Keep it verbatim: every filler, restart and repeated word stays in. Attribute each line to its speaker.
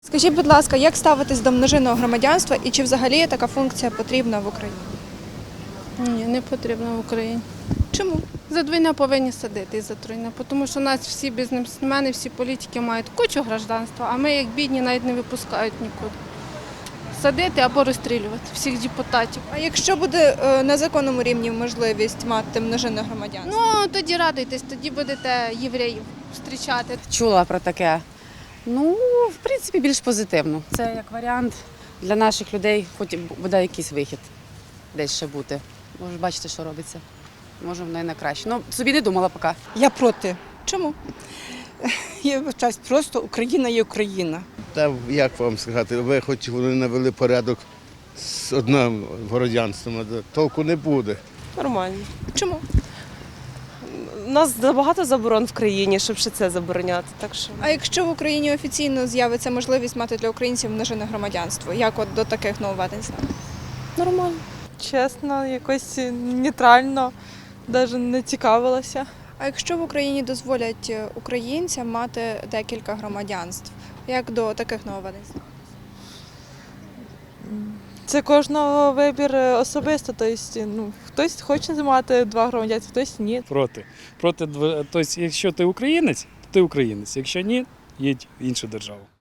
Speaker 1: Скажіть, будь ласка, як ставитись до множинного громадянства і чи взагалі така функція потрібна в Україні?
Speaker 2: Ні, не потрібно в Україні.
Speaker 1: Чому?
Speaker 2: За двійне повинні садити і за тройне, тому що нас всі бізнесмени, всі політики мають кучу гражданства, а ми, як бідні, навіть не випускають нікуди. Садити або розстрілювати всіх депутатів.
Speaker 1: А якщо буде е, на законному рівні можливість мати множинне громадянство?
Speaker 2: Ну, тоді радуйтесь, тоді будете євреїв зустрічати.
Speaker 3: Чула про таке. Ну, в принципі, більш позитивно. Це як варіант для наших людей, хоч буде якийсь вихід десь ще бути. Може, бачите, що робиться. Може, воно і на краще. Ну, собі не думала поки.
Speaker 4: Я проти.
Speaker 1: Чому?
Speaker 4: Я вважаю, просто Україна є Україна.
Speaker 5: Та як вам сказати, ви хоч вони навели порядок з одним городянством, а толку не буде.
Speaker 6: Нормально.
Speaker 1: Чому?
Speaker 6: У нас забагато заборон в країні, щоб ще це забороняти. Так що
Speaker 1: А якщо в Україні офіційно з'явиться можливість мати для українців множинне громадянство, як от до таких нововведень ставитись?
Speaker 6: нормально.
Speaker 7: Чесно, якось нейтрально, навіть не цікавилася.
Speaker 1: А якщо в Україні дозволять українцям мати декілька громадянств, як до таких нововведень ставитись?
Speaker 7: Це кожного вибір особисто. Тобто, ну, хтось хоче мати два громадянства, хтось ні.
Speaker 8: Проти. Проти, дв- тобто, якщо ти українець, то ти українець. Якщо ні, їдь в іншу державу.